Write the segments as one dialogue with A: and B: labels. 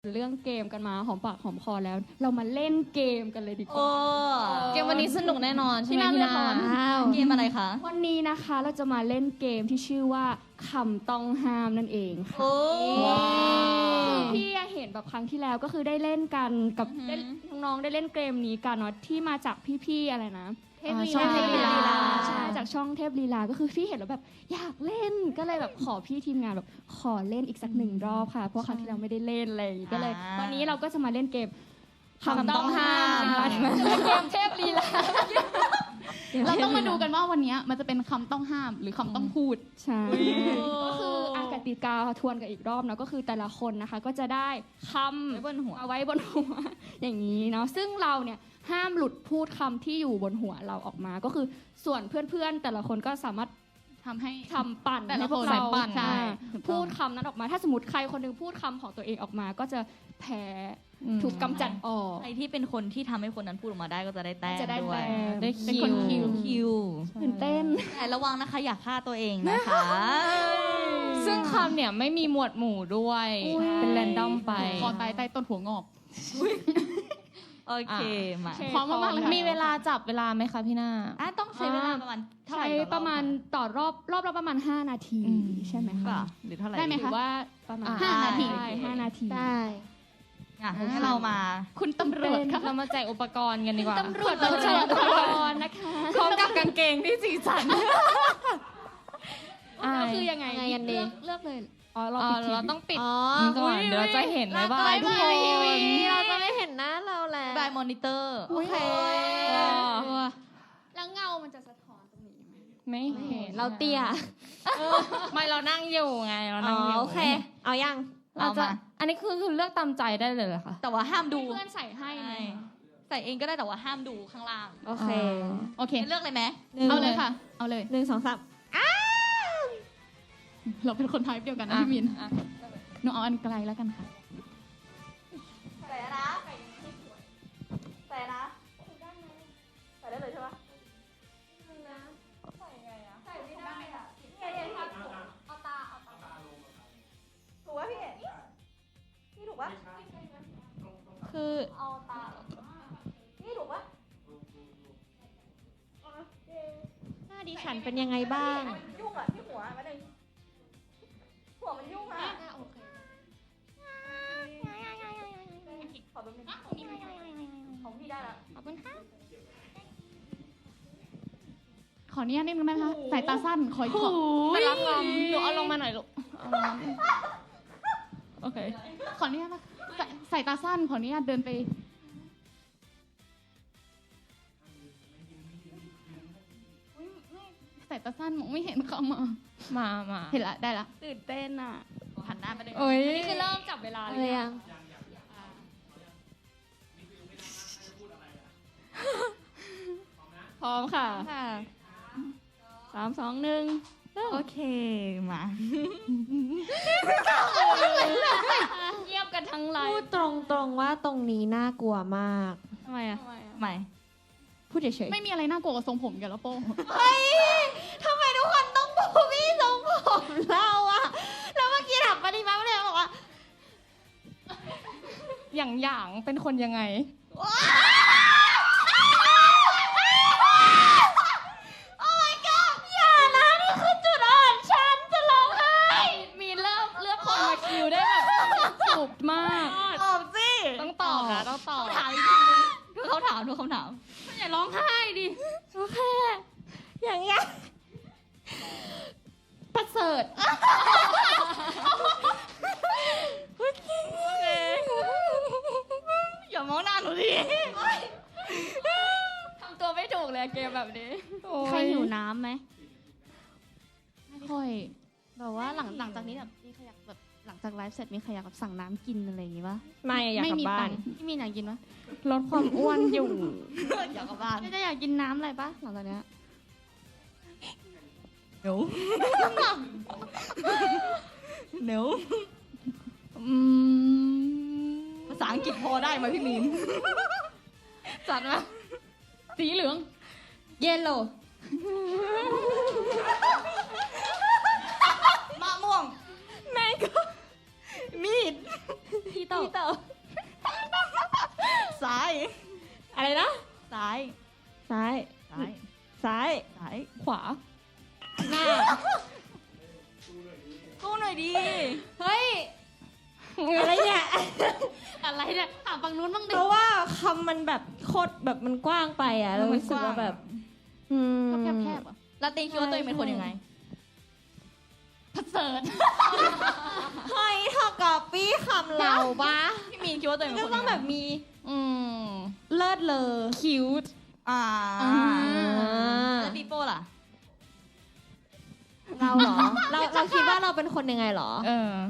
A: เรื่องเกมกันมาหอมปากหอมคอแล้ว เรามาเล่นเกมกันเลยดีกว่า
B: เกมวันนี้สนุกแน่นอนใช่ไหมพี่นาเกมอะไรคะ
A: วันนี้นะคะเราจะมาเล่นเกมที่ชื่อว่าคำต้องห้ามนั่นเองค่ะคือพี่เห็นแบบครั้งที่แล้วก็คือได้เล่นกันกับน้องๆได้เล่นเกมนี้กันเนาะที่มาจากพี่ๆอะไรนะช่องเทพลีลาใช่จากช่องเทพลีลาก็คือพี่เห็นแล้วแบบอยากเล่นก็เลยแบบขอพี่ทีมงานแบบขอเล่นอีกสักหนึ่งรอบค่ะเพราะครั้งที่เราไม่ได้เล่นเลยก็เลยวันนี้เราก็จะมาเล่นเกมคำต้องห้ามเกมเทพลีลา
C: เราต้องมาดูกันว่าวันนี้มันจะเป็นคำต้องห้ามหรือคำต้องพูด
A: ใช่ก็คือกติกาทวนกันอีกรอบเนาะก็คือแต่ละคนนะคะก็จะได้คำเอาไว้บนหัวอย่างนี้เนาะซึ่งเราเนี่ยห้ามหลุดพูดคำที่อยู่บนหัวเราออกมาก็คือส่วนเพื่อนๆแต่ละคนก็สามารถ
C: ทำให้
A: ปั่นให้พวกเราพูดคำนั้นออกมาถ้าสมมติใครคนนึงพูดคำของตัวเองออกมาก็จะแพ้ถูกกำจัดออก
B: ใครที่เป็นคนที่ทำให้คนนั้นพูดออกมาได้ก็จะได้แต้มด้วย
A: ได้
B: คิว
A: ตื่นเต้น
B: แต่ระวังนะคะอย่าฆ่าตัวเองนะคะ
D: ซึ่งคำเนี่ยไม่มีหมวดหมู่ด้วยเป็นแรนดอมไป
C: คอตายใต้ต้นหัวงอก
B: โอเคมา
C: พร้อมมากเลย
D: มีเวลาจับเวลาไหมคะพี่หน้า
B: ต้องใช้เวลาประมาณเท่าไหร่
A: ประมาณต่อรอบละประมาณ5นาทีใช่ไหมคะ
B: หรือเท่าไหร่
C: ได้ไหมคะ
A: ว่าประมาณ
C: 5นาที
A: 5นาที
B: ได้ให้เรามา
C: คุณตำรวจค่ะ
D: เรามาแจกอุปกรณ์กันดีกว่า
A: ตำรวจมาแจกอุปกรณ์นะคะ
D: พร้อมกับกางเกงที่สีสัน
A: ก็คือยังไง
B: กันดี
A: เลือกเลย
D: เราต้องปิดก่อนเดี๋ยวเราจะเห็นเลยว่าทุกคน
B: เราจะไม่เห็นหน้าเราแล้วบายมอนิเตอร์โอเค
A: แล้วเงามันจะสะท้อนตรงนี้ไหม
D: ไม่เห็น
B: เราเตี้ย
D: ไม่เรานั่งอยู่ไงเรานั่งอยู่
B: โอเคเอายัง
D: เราจะอันนี้คือเลือกตามใจได้เลยเหรอคะ
B: แต่ว่าห้ามดู
A: เพื่อนใส่ให้
B: ใส่เองก็ได้แต่ว่าห้ามดูข้างล่าง
D: โอเค
B: เลือกเลยไหม
C: เอาเลยค่ะเอาเลย
B: 1 2 3
C: เราเป็นคนไทยเดียวกันนะพี่มินหนูเอาอันไกลแล้วกันค่ะ
B: ใส่นะใส่นะใส่ได้เลยใช่ปะใส่ไงอะใส่ไม่ได้อะเอาตาถูกป่ะพี่ถูกป่ะ
D: คือ
B: เอาตาพี่ถูกป่ะ
D: หน้าดิฉันเป็นยังไงบ้าง
B: ยุ่งอะที่หัวมาเลยหัวมันยุ่งอะ
A: โอเค
B: ขอแป๊บนึงของพี่ได้แล้ว
D: ขอบคุณค่ะ
C: ขออนุญาตนิดนึงนะคะสายตาสั้นขอ
D: แต่ละคำหนูเอาลงมาหน่อยลูกโอเค
C: ขออนุญาตนะสายตาสั้นขออนุญาตเดินไปสายตาสั้นมองไม่เห็นเขา
D: มา
C: เห็นละได้ละ
A: ตื่นเต้นอ่ะ
B: หันหน้าไปเลย
A: นี่คือเริ่มจับเวลาเลยยังพร้อมค่ะ3 2 1
B: โอเคมา
A: เงียบกันทั้งไลน์
E: พูดตรงว่าตรงนี้น่ากลัวมาก
A: ทำไมอ่ะ
B: ไม่
A: พูดเฉยๆ
C: ไม่มีอะไรน่ากลัวกับทรงผมกันแล้วโป้
B: เฮ้ยทำไมทุกคนต้องบูลลี่ทรงผมเราอะแล้วเมื่อกี้ถามปฏิมาเลยบอกว่า
D: อย่างเป็นคนยังไง
B: โอ้ my god อย่านะนี่คือจุดอ่อนฉันจะร้องไห้
A: มีเลือกคนมาคิวได้แบบสุดมาก
B: ตอบสิ
D: ต้องตอบนะต้องตอบ
B: ถามอีกทีนึงดูเขาถาม
A: อย่าร้องไห้ดิ
B: โอเคอย่างเงี้ย
A: ประเสริฐ
B: โอเคอย่ามองหน้าหนูดิ
A: ทำตัวไม่ถูกเลยเกมแบบนี้
E: ใครหิวน้ำไหม
C: ไม่ค่อย
E: แบบว่าหลังจากนี้แบบมีใครอยากแบบหลังจากไลฟ์เสร็จมีใครอยากแบบสั่งน้ำกินอะไรอย่างงี้ปะ
D: ไม่อยากกลับบ้าน
E: พี่มีอยากกินปะ
D: ลดความอ้วนอยู่
B: อยากกลับบ้าน
E: จะอยากกินน้ำอะไรปะหลังจากนี้
B: เดี๋ยวภาษาอังกฤษพอได้ไหมพี่มีน
C: จัดมาสีเหลือง
A: yellow
B: มะม่วง
A: แมงโก้
B: มีดพี่เต๋อซ้าย
E: อะไรนะ
B: ซ้าย
E: ซ้าย
B: ซ้าย
E: ซ้าย
B: ซ้าย
A: ขวา
E: หน้า
B: กู้หน่อยดี
E: เฮ้ย อะไรเนี่ย อะไรเนี่ย ถามฝั่งนู้นบ้างดิ
F: เพราะว่าคำมันแบบโคตรแบบมันกว้างไปอ่ะเรารู้สึกว่าแบบ
C: แคบๆอ่ะ
B: ลาตินคิดว่าตัวเองเป็นคนยังไง
C: ประเสริฐ
F: เฮ้ยเท่ากับปี้คำเราปะ
B: พี่มีนคิดว่าตัวเองเป็น
F: ก็
B: คน
F: ต้
B: ยั
F: อง
B: งไง
F: แบบมี
D: อืม
F: เลิศเลอ
D: คิวต์
B: อ่า
F: อ่า
B: แล้วปีโป้ล่ะ
F: เราเหรอ เราคิดว่าเราเป็นคนยังไงเหรอ
D: เออ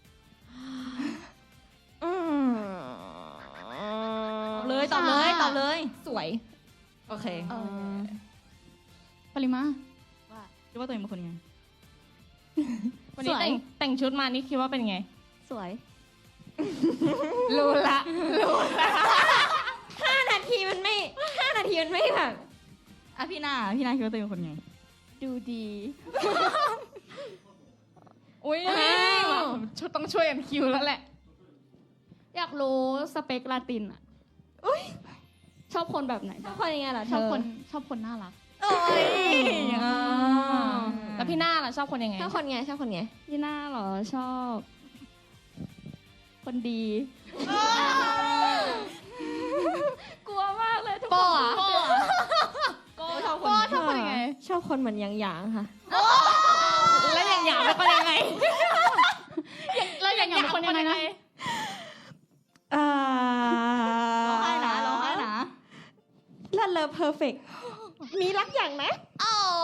F: อืม
B: ตอบเลยตอบเลยตอบเลย
F: สวย
B: โอเค
C: ปริมา
B: คิดว่าตัวเองเป็นคนยังไง
D: วันนี้
F: สวย
D: แต่งชุดมานี่คิดว่าเป็นไง
F: สวย
D: รู้ละ
F: 5 นาทีมันไม่แบบ
B: อ่ะพี่นาคิดว่าตัวเองเป็นคนยังไง
F: ดูดี
D: อุ้ยชุดต้องช่วยกันคิวแล้วแหละ
A: อยากรู้สเปคลาตินอะชอบคนแบบไหน
F: ชอบคนยังไงเหรอเธ
C: ชอบ
F: อ
C: คนน่ารัก
B: โอ้ย
D: แล้วพี่หน้าล่ะชอบคนยังไง
F: ชอบคนไงชอบคนไง
A: ยี่น่าเหรอชอบ คนดี กลัวมากเลยทุกคน
B: โก้ชอบคน
D: ชอบคนยังไง
F: ชอบคนเหมือนหยางๆค่ะ
D: แล้วอย่างหยางเป็นคนยังไง
C: แล้วอย่างเป็นคนยังไงนะ
F: อ่า
B: ร้องไห้นะร้องไห้นะ
F: เลิศเลอเพอร์เฟกมีรักอย่างนะ
B: โอ้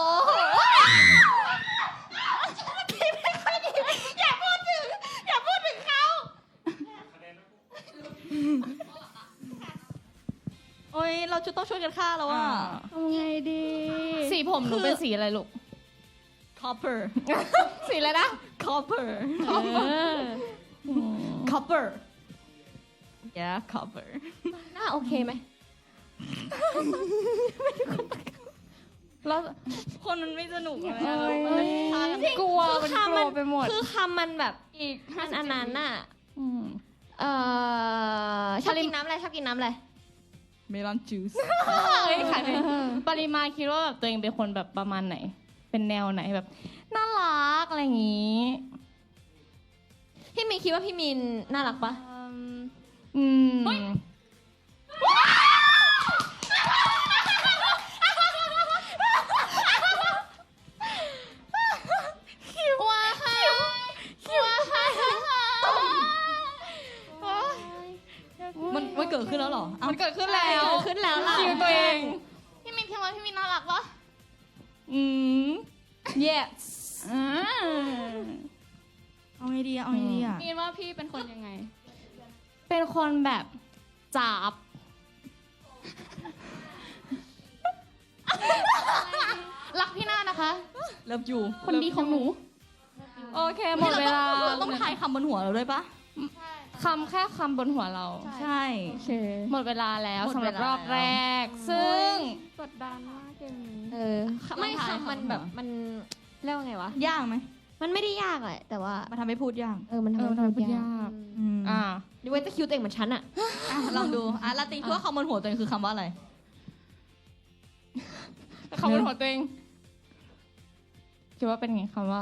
B: โอ้ยเราจะต้องช่วยกันฆ่าแล้วอ่ะ
A: ทำไงดี
D: สีผมหนูเป็นสีอะไรลูก
B: copper
D: สีอะไรนะ
B: copper
A: เออ
B: copper yeah copper
F: หน้าโอเคไหม
D: แล้ว
B: คนมันไม่สนุกเลย
A: เอ้ย
B: มันฆ่ากัน
D: กลัวมันกลัวไปหมด
F: คือคำมันแบบ
A: อีก
F: มันอันนั้นน่ะ
D: อืม
F: ชอบกินน้ำอะไรชอบกินน้ำอะไร
B: เมลอนจูส
D: เอ้ยขายไปปริมาคิดว่าแบบตัวเองเป็นคนแบบประมาณไหน เป็นแนวไหนแบบน่ารักอะไรอย่างงี้
F: พี่มีนคิดว่าพี่มีนน่ารักปะ
D: อืม
C: ว้าค่ะว้าค่ะ
B: มันเกิดขึ้นแล้วเหรอเอ้า
D: มันเกิดขึ้นแล้ว
F: เกิดขึ้นแล้วล่ะ
D: คิวตัวเอง
C: พี่มินคิดว่าพี่มินน่ารักปะ
D: อืม
B: yes เอาไงดีอะเอาไงดีอะ
A: มีนว่าพี่เป็นคนยังไง
D: เป็นคนแบบจับ
C: รักพี่หน้านะคะ
B: เลิฟยู
C: คนดีของหนู
D: โอเคหมดเวลา
B: เราต้องทายคำบนหัวเราด้วยปะ
D: แค่คำบนหัวเรา
B: ใช่
A: โอเค
D: หมดเวลาแล้ว
B: หมด
D: สำห
B: เว
D: รับ
B: ลาร
D: อบแรก ซึ่ง
A: กดดันมากเกมนี้
F: ไม่คำมันแบบมันเรียกว่าไงวะ
B: ยากไหม
F: มันไม่ได้ยากแหละแต่ว่า
B: มาทำให้พูดยาก
F: มันทำให้
D: มันทำให้พู
F: พู
D: ด
F: ด
D: ยาย
F: าก ก
D: อ่า
F: ดูไว้จะคิวตัวเองเหมือนฉันอะ
B: อ่ะลองดูอ่ะลาตินคิดว่าคำบนหัวตัวเองคือคำว่าอะไร
D: คำบนหัวตัวเองคิดว่าเป็นไงคำว่า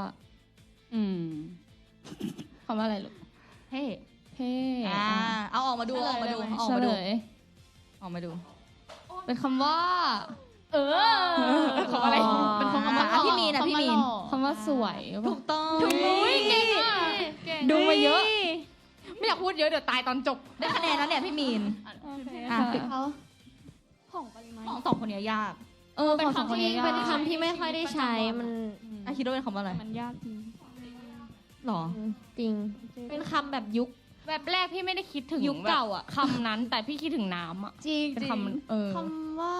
D: คำว่าอะไรลูก
B: เฮ้
D: เท่
B: เอาออกมาดูออกมาดูออก
D: เฉ
B: มา
D: ล
B: ดู
D: ย
B: ออกมาดู
D: เป็นคำว่า
C: เออ
D: คำอะไร
C: เป็นคน
B: อ่ะพี่มีนอ่ะพี่มีน
D: คำว่าสวย
B: ถูกต้อง
C: เก่งอ่ะเก่ง
D: ดูมาเยอะ ไม่อยากพูดเยอะเดี๋ยวตายตอนจบ
B: ได้คะแนนแล้วเนี่ยพี่มีน
A: โอเค
B: อ่ะ
F: เขา
A: ของปริมาณ
B: สองคนเนี้ยยาก
F: เป็นคำที่เป็นคำที่ไม่ค่อยได้ใช้มัน
B: อ่ะคิดว่าเป็นคำว่าอะไร
A: มันยากจริง
B: หรอ
F: จริง เป็นคำแบบยุค
D: แบบแรกพี่ไม่ได้คิดถึง
F: ยุคเก่าอะ
D: แบบคำนั้น แต่พี่คิดถึงน้ำอ่ะ
F: จริง
D: เป็นคำ
C: คำว่า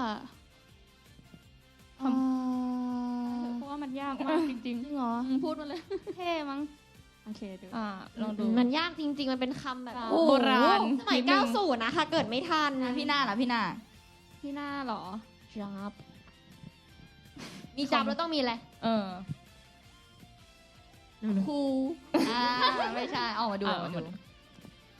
A: เพราะว่ามันยากมากจริง
F: จริงเหรอ
A: ๆพูดมาเลย เท่มั้ง โอเคดู
D: ลองดู
F: มันยากจริง ๆ มันเป็นคำแบบ
A: โอ้
D: โบราณ
F: สมัย
D: นิดนึง
F: 90นะคะเกิดไม่ทัน
B: อ่ะพี่หน้าล่ะพี่หน้า
A: พี่หน้าเหรอ
F: จับมีจับแล้วต้องมีอะไร
D: เออ
F: ครู
B: ไม่ใช่ออกมาดูออกมาดู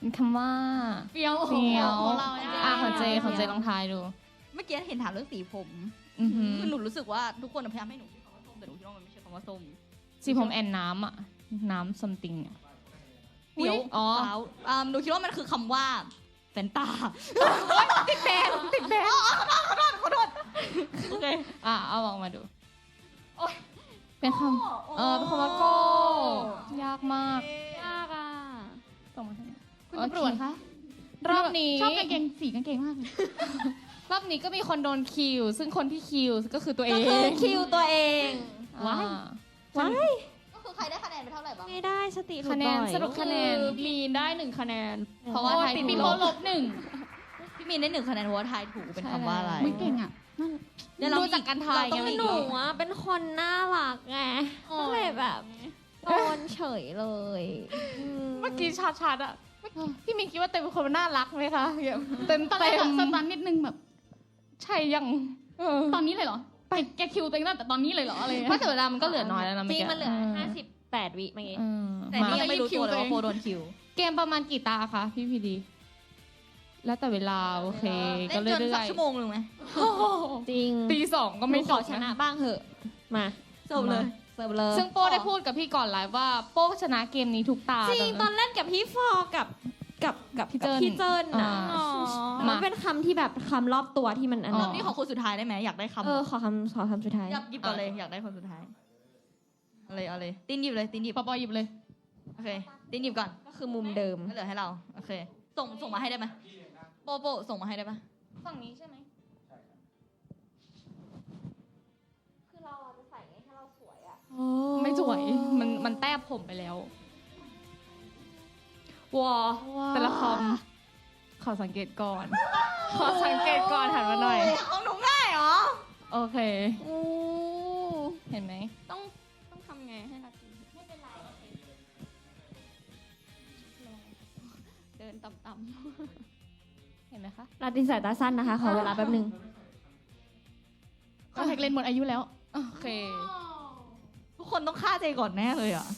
D: เป็นคำว่า
C: เฟี้ยว
D: เฟี้ยว
C: ของเราเนี่ย
D: ของเจลองทายดู
B: เมื่อกี้เห็นถามเรื่องสีผม
D: อือหือ
B: คือหนูรู้สึกว่าทุกคนพยายามให้หนูคิดคำว่าส้มแต่หนูคิดว่ามันไม่ใช่คำว่าส้ม
D: สีผมแอนน้ำอะน้ำซัมติงอะ
B: เดี๋ยว
D: อ๋อ
B: เปล่าหนูคิดว่ามันคือคำว่าแฟนตา
D: ติดแบน
B: ขอโทษโอเค
D: เอาออกมาดูเป็นคำเป็นคำว่าโก้ยากมาก
A: ยากอ่ะ
D: ส่งมาให้หน่อย
C: คุณตำรวจคะ
D: รอบนี้
C: ชอบกางเกงสีกางเกงมากเลย
D: รอบนี้ก็มีคนโดนคิว ซึ่งคนที่คิวก็คือตัวเอ
F: ก็คือง คิวตัวเอง
D: ว้า
F: ว้าย
B: ก็คือใครได้คะแนนไปเท่าไหร่บ้าง
F: ไม่ได้สติหลุด
D: คะแนน
F: บ่อย
D: สรุปคะแนน
A: มีนได้1 คะแนน
D: เพราะว่าไทย
C: ติด
D: ถู
C: ปี
D: ก
C: โป้
D: ล
C: ล
D: บบ
C: หนึ่ง
B: พี่มีนได้1 คะแนนเพราะว่าทายถูกเป็นคำว่าอะไร
C: มึงเก่งอ่ะนั่น
B: เดี๋ยวเรา
D: ดูจากการทาย
B: เราต้อง
D: ไง
B: มี
F: หนูอะเป็นคนน่ารักไงก็เลยแบบโดนเฉยเลยม
D: เมื่อกี้ชัดๆอะพี่มีคิดว่าเต็มเป็นคนน่ารักไหมคะเต็ม
C: ตอนแร
D: เต็
C: ก
D: ม
C: อะสตันนิดนึงแบบ
D: ใช่ยัง
C: ตอนนี้เลยเหรอแกคิวตัวเองตั้งแต่ตอนนี้เลยเหรออะไร
D: เพราะแต่เวลามันก็เหลือน้อยแล้วนะ
F: จ
D: เมื่อ
F: ริง
D: กี้
F: มันเหลือ58 วิเมื่อกี้
B: แต่นี่ยังไม่รู้ตัวเลยว่าโฟโดนคิว
D: เกมประมาณกี่ตาคะพี่พีดี แล้วแต่เวลาโอเค ก็
B: เล่นจน
D: เรื่
B: สั
D: อก ย
B: ชั่วโมงหนึ่งไหม
F: จริง
D: ๆตี 2ก็
F: ไม่
D: ไม่
F: ข
D: จ
F: อบ ชนะบ้างเหอะ มา
B: จบเลย
F: เสิร์ฟเลย
D: ซึ่งโป้ได้พูดกับพี่ก่อนไลฟ์ว่าโป้ชนะเกมนี้ทุกตา
F: จริงตอนเล่นกับพี่ฟอร์กับพี่เจิ้นนะ มันเป็นคำที่แบบคำรอบตัวที่มันอัน
B: ร
F: นั้
B: อน บนี้ขอคนสุดท้ายได้ไหมอยากได้คำ
F: ขอคำสุดท้าย
B: หยิบก่อนเลยอยากได้คนสุดท้ายเอาเลยตินหยิบเลยตินหยิบ
C: ปอหยิบเลย
B: โอเคตินหยิบก่อน
F: ก็คือมุมเดิม
B: ก็เหลือให้เราโอเคส่งมาให้ได้ไหมโปส่งมาให้ได้ปะ
D: ฝั่งนี้ใช่ไหม
B: คือเราจะใส่ให้เราสวยอ่ะ
D: ไม่สวยมันแต้ผมไปแล้ว
F: วอ
D: แต่ละคำขอสังเกตก่อน ขอสังเกตก่อนหันมาหน่อย
B: ของหนูง่ายเหรอ
D: โอเค เห็นไหม
A: ต้องทำไงให้นาทีไม่เป็นไรเดินต่ำ
D: เห็นไหมคะ
F: ลาตินสายตาสั้นนะคะ ขอเวลาแป๊บนึง
C: คอนแทคเลนส์หมดอายุแล้ว
D: โอเค
B: ทุกคนต้องฆ่าใจก่อนแน่เลยอ่ะ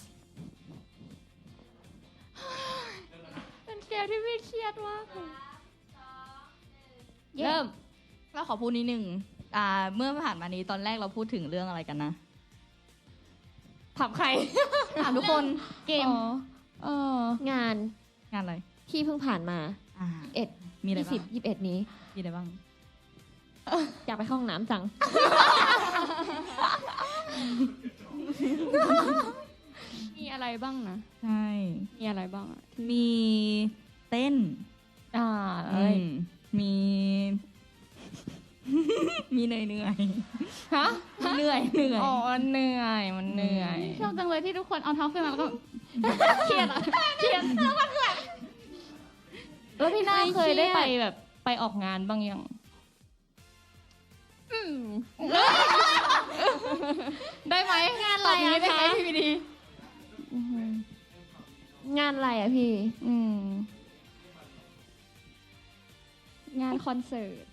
A: ๆเป็นเกมที่ไม่เครียดมากเลย
B: เริ่มเราขอพูดนิดนึงเมื่อผ่านมานี้ตอนแรกเราพูดถึงเรื่องอะไรกันนะ
D: ถามใคร
B: ถามทุกคน
C: เกม
F: งาน
B: งานอะไร
F: ที่เพิ่งผ่านมา
B: มีอะไรบ้าง
F: 20 21 นี้
B: มีอะไรบ้าง
F: อยากไปเข้าห้องน้ำจัง
A: มีอะไรบ้างนะ
B: ใช่
A: มีอะไรบ้างอะ
B: มีเต้น
D: อะไร
B: มี มีเหนื่อย
D: ฮะ
B: เหนื่อย
D: อ๋อเหนื่อยมันเหนื่อย
C: ชอบจังเลยที่ทุกคนเอาเท้าขึ้นมาแล้วก็ เครียดอ่ะ เครียด
D: แล้วพี่นาเคยได้ไปแบบไปออกงานบ้างยัง ได้ไหม
F: งานอะไรอะ
D: ตบนี้ได้ไหม
F: คะ
D: พี่พีดี
F: งานอะไรอ่ะพี่
A: งานคอนเสิร์ต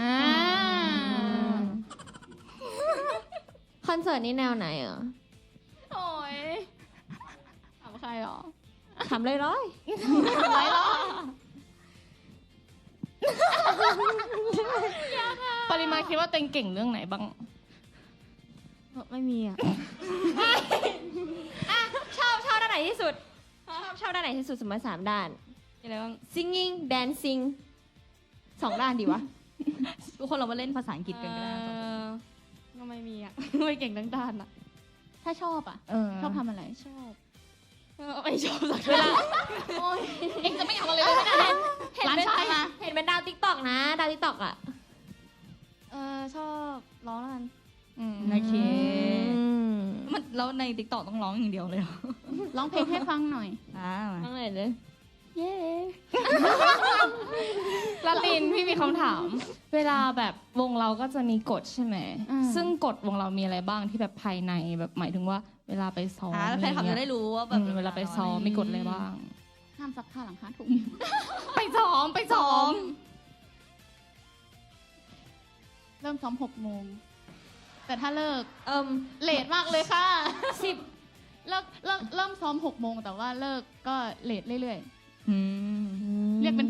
F: คอนเสิร์ตนี่แนวไหนอ่ะ
A: โอ้ยถามใครหรอ
F: ถามเลยร้อย
D: ปริมาคิดว่าตัวเองเก่งเรื่องไหนบ้าง
F: ไม่มีอ่ะ ชอบด้านไหนที่สุด ชอบด้านไหนที่สุดสมมติ3 ด้าน
A: มีอะไรบ้าง
F: singing dancing 2 ด้านดีวะ
B: ทุกคนเรามาเล่นภาษาอังกฤษกันก็ได้
A: ก็ไม่มีอ่ะ ไม่เก่งทั้งด้านอ่ะ
C: ถ้าชอบอ่ะ ชอบทำอะไร
A: ชอบไม่ชอบสัก
F: เวลา
C: เองจะไม่อยากอะไรเลยไม่ได้ร้านชายมา
F: เห็นเป็นดาวติ๊กตอกนะ ดาวติ๊กตอกอ่ะ
A: ชอบร้องแล้วกัน
B: โอเคมันแล้วในติ๊กต็อกต้องร้องอย่างเดียวเลยเหรอ
C: ร้องเพลงให้ฟังหน่อย
F: ตั้งไหนเลย
A: เย้
D: ลาตินพี่มีคำถาม เวลาแบบวงเราก็จะมีกฎใช่ไหม ซึ่งกฎวงเรามีอะไรบ้างที่แบบภายในแบบหมายถึงว่าเวลาไปซ้อม
B: แล้วแฟนคลับจะได้รู้ว่าแบบ
D: เวลาไปซ้อมมีกฎอะไรบ้าง
C: ห้ามซักผ้าหลัง5 ทุ่ม
D: ไปซ้อม
C: เริ่มซ้อม6 โมง แต่ถ้าเลิก
F: เล
C: เลทมากเลยค่ะ
F: 10
C: เริ่มซ้อม6 โมงแต่ว่าเลิกก็เลทเรื่อย
B: อืม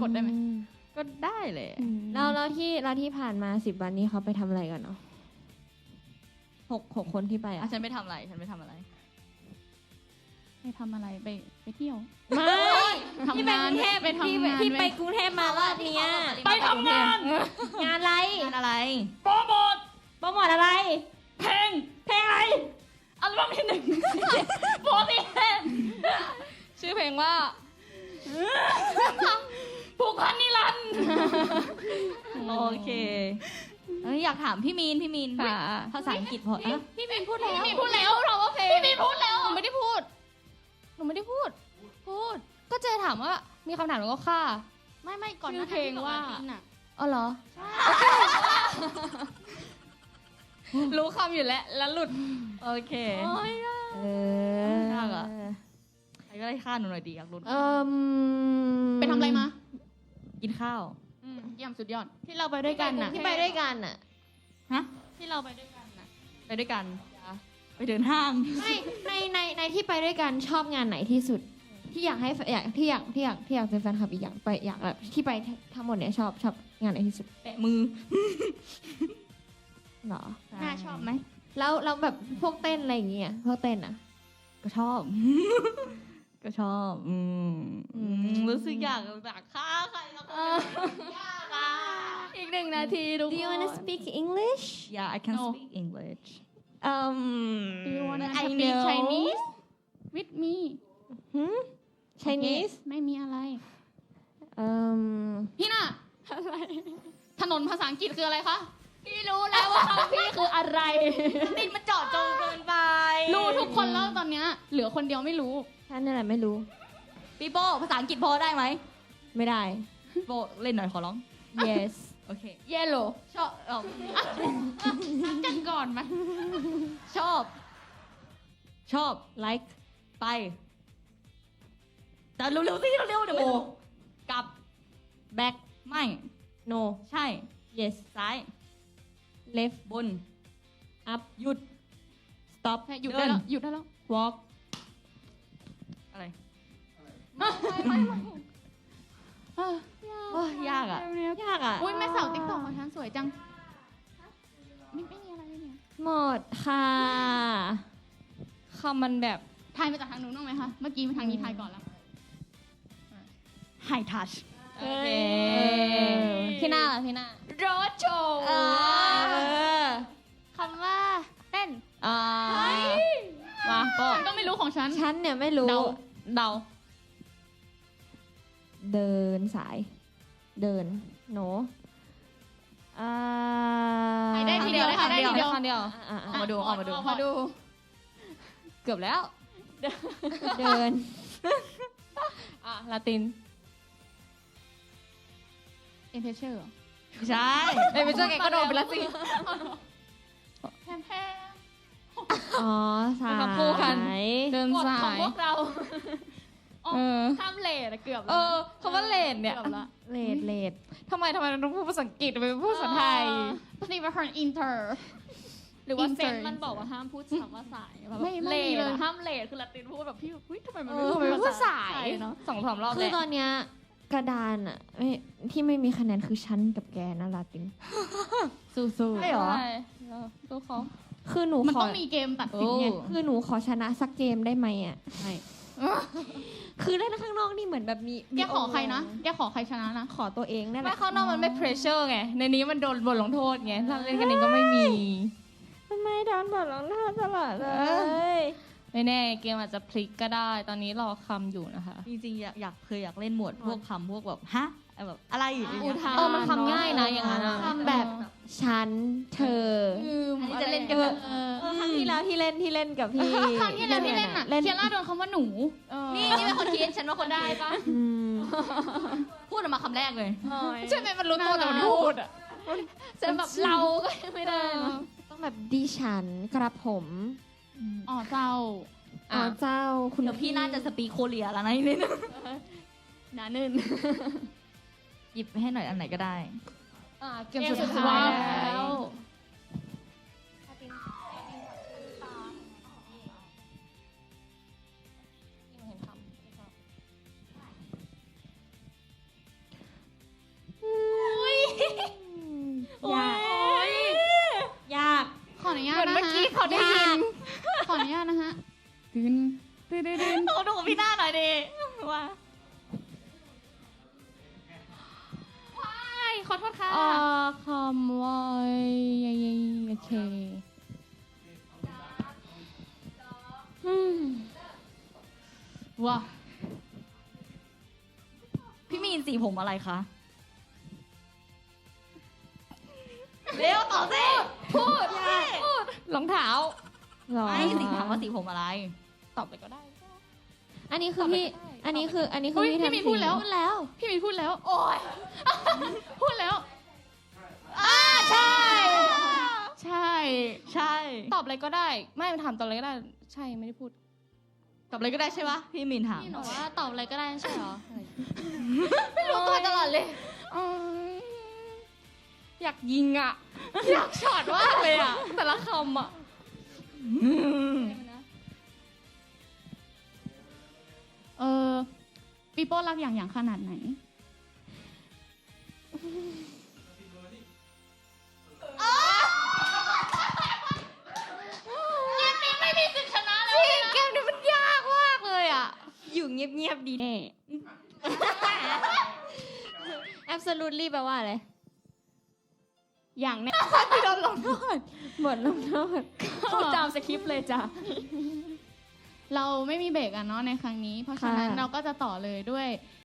C: กดได้ไหม
B: ก็ได้เลย
F: เราที่ผ่านมา10 วันนี้เขาไปทำอะไรกันเนาะหกคนที่ไป
B: อ่ะฉันไม่ทำอะไร
C: ไปทำอะไรไปเที่ยว
F: ไม่
C: ทำงาน
F: ไปทำงาน
C: ที่
F: ที่
C: ไป
F: ไปกรุงเทพมารอบเนี้ย
C: ไปทำงาน
F: งานอะไร
B: งานอะไร
C: โปรโมท
F: โปรโมทอะไร
C: เพลงอะไรอัลบั้มที่1โปรตีนชื่อเพลงว่าผูกพันนิรันดร์
B: โอเคอยากถามพี่มีนภาษาอังกฤษพออ่ะ
C: พี่มีนพูดแล้วเราว่าเพลงพี่มีนพูดแล้วหนูไม่ได้พูดก็เจถามว่ามีคำถามหนูก็ค่ะ
E: ไม่ก่อน
A: ชื่
E: นะ
A: อเพลงว่า
C: อ๋อเหรอรู้คำอยู่แล้วหลุด
B: โอเค
F: เออย
B: ากอะ ใครก็ได้ฆ่าหนูหน่อยดีอยากรู้
C: ไปทำอะไรมา
B: กินข้าว
C: เยี่ยมสุดยอด
E: ที่เราไปด้วยกันน่ะ
F: ที่ไปด้วยกันอ่ะ
E: ที่เราไปด้วยกันน่ะ
B: ไปด้วยกัน ไปเดินห้าง
F: ไม่ในที่ไปด้วยกันชอบงานไหนที่สุด ที่อยากให้ที่อยากเป็นแฟนคลับอีกอย่างไปอยากแบบที่ไปทั้งหมดเนี่ยชอบงานไหนที่สุด
B: แตะมือ
F: หรอ
E: น่าชอบไหม
F: แล้วเราแบบพวกเต้นอะไรอย่างเงี้ยพวกเต้นอ่ะ
B: ก็ชอบ ก็ชอบ รู้สึกอยากฆ่าใครสักคนยากอ่ะ
A: อีก1 นาทีทุก
F: Do
A: ค
F: you
A: น
F: wanna speak English
B: Yeah I can speak English
A: Do you wanna
B: I
A: speak
B: know
A: Chinese with me
F: Chinese
C: ไม่มีอะไร
F: um
C: พี่น่ะถนนภาษาอังกฤษคืออะไรคะ
A: พี่รู้แล้วว่าคำพี่คืออะไร
B: ติดมันเจาะจงเกินไป
C: รู้ทุกคนแล้วตอนเนี้ยเหลือคนเดียวไม่รู้
F: ฉันนั่นแหละไม่รู้
B: ปีโป้ภาษาอังกฤษพอได้ไหม
F: ไม่ได้
B: โป้เล่นหน่อยขอร้อง
F: yes
B: โอเค
A: Yellow
B: ชอบ
C: กันก่อนไหม
B: ชอบ
F: like
B: ไป แต่เร็วๆสิเร็วๆเดี๋ยวไม่รู้กลับ
F: back
B: ไม่
F: no
B: ใช่
F: yes
B: ซ้าย
F: left
B: บน
F: up
B: หยุด
F: stop
C: หยุดได้แล้วหยุดได้แล้ว
F: walk
B: อะไร
C: เออ
B: โอ้ยยากอ่ะ
F: ยากอ่ะ
C: อุ้ยแม่สาวติ๊กต็อกของฉันสวยจังไม่มีอะไรเนี่ย
F: หมดค่ะ
C: คำมันแบบทายมาจากทางนู้นบ้างไหมคะ เมื่อกี้มาทางนี้ทายก่อนแล้ว
B: High touch
C: โอเคพี่หน้าล่ะพี่หน้า
A: โรดโชว์
E: คำว่าเต้น
C: มาก็ฉันก็ไม่รู้ของฉัน
F: ฉันเนี่ยไม่รู้
C: เดา
F: เดินสาย เดินโน
C: ใครได้ทีเดียว
B: คำเดียว
C: ใครได้ทีเดียว
B: คำเดียว
F: อ่ะ
B: ออกมาดูออกมาดู
C: ออกมาดู
B: เกือบแล้ว
F: เดิน
C: ลาตินเอ็นเทเชอร์
B: ไม่ใช่
C: ไม่ใช่แกก็โดนไปแล้วสิแพม
F: อ๋อสาย
C: เป็นคำคู่กัน เดิน
A: กฎ
C: สา
A: ของ
C: ย
A: พวกเรา
C: เออ
A: ข้ามเลทอะเกือบ
C: เอ
A: แล้ว
C: อคำว่าเลนเนี่ย
A: เกือบละ
F: เลด
C: ทำไมเราต้องพูดภาษาอังกฤษไปพูดภาษาไทยภาษาเป็นอินเตอร์
A: หรือว่า
C: Insert
A: เซนมันบอกว่าห้ามพูดคำว่าสายแบบ
C: ไม่
A: เล
C: มี
A: ท
C: เลย
A: ห้ามเลทคือละตินพูดแบบพี่เฮ้ยทำไมมัน
C: เอ
A: ไม่
C: อ
A: พูด
C: พูด
A: ภาษา
C: สาย
A: ไทยเนาะ
C: 2-3 รอบ
F: คือ
C: แล้ว
F: ตอนเนี้ยกระดานอะที่ไม่มีคะแนนคือฉันกับแกนะลาติน สู้
B: ใช่เหรอ
C: ตัวเขา
F: ๆคือหนู
C: มัน
F: ขอ
C: ต้องมีเกมตัดสินไง
F: คือหนูขอชนะสักเกมได้ไหมอะ
B: ไม่
F: คือเล่นข้างนอกนี่เหมือนแบบมี
C: แกขอใครนะ แกขอใครชนะนะ
F: ขอตัวเองนั่นแห
C: ไม่
F: ละ
C: ข้างนอกมันไม่เพรสเชอร์ไง ในนี้มันโดนบทลงโทษไง ถ้าเล่นกันเองก็ไม่มี
F: ทำไมโดนบทลงโทษตลอดเลย
C: ไม่แน่เกมอาจจะพลิกก็ได้ ตอนนี้รอคำอยู่นะคะ
B: จริงๆอยากเล่นหมวดพวกคำพวกแบบฮะแบบอะไรอย่างเงี้ย
A: อุทาน
C: มันคำง่ายนะอย่างนั้นอะ
F: ทำแบบฉันเธอ
B: อันนี้จะเล่นกันแบบ
F: ครั้งที่แล้วที่เล่นกับพี่
C: ครั้งที่แล้วที่เล่นอ่ะ เคียร่าโดนคำว่าหนู
B: นี่เป็นคนคิดฉันว่าคนได้ปะ
F: อืม
B: พูดออกมาคำแรกเลย
C: ใช่ไหมมันรู้ตัวแต่มันพูดอ่ะ
A: เซนแบบเราก็ยังไม่ได้เนอะ
F: ต้องแบบดิฉันกระผม
C: อ๋อเจ้า
F: อ๋อเจ้าคุณ
B: เดี๋ยวพี่น่าจะสปีกโคเรียแล้วนะนี่
A: หนานึ่น
B: หยิบให้หน่อยอันไหนก็ได้
C: เกมสุดท้าย
A: แล้ว
C: คนะฮะตื่น
B: โอ้ดูพี่หน้าหน่อยดิว่า
D: ขอโทษค่ะคำว่าโอเค
C: ว้า
B: พี่มีนสีผมอะไรคะเร็วตอบสิพูด
D: รองเท้า
F: หรอ
B: ไอ้สีถามว่าสีผมอะไร
D: ตอบไปก็ได้
F: อันนี้คือพี่ อันนี้คือ
D: อุ๊ย
F: พี่
D: พี่มีพูดแล้ว พี่มีพูดแล้ว โอ้ยพูดแล้วใช่ ใช่
B: ใช่
D: ตอบอะไรก็ได้ ไม่ถามตอบอะไรก็ได้ ใช่ไม่ได้พูด
B: ตอบอะไรก็ได้ใช่ปะพี่มีนถาม
F: พี่หนูว่าตอบอะไรก็ได้ใช่เหรอ
D: ไม่รู้ตัวตลอดเลยอยากยิงอ่ะ อยากช็อตมากเลยอ่ะ แต่ละคำอ่ะ
C: ปีโป้รักอย่างขนาดไหน
F: เกมนี้มันยากมากเลยอ่ะ อยู่เงียบๆดีแน่ absolutely แปลว่าอะไร
C: อย่างแน่
F: โดนลงโทษบทลงโทษ
C: เข้าตามสคริปต์เลยจ้ะ เราไม่มีเบรกอะเนาะในครั้งนี้ เพราะฉะนั้น
F: ค่ะ
C: เราก็จะต่อเลยด้วย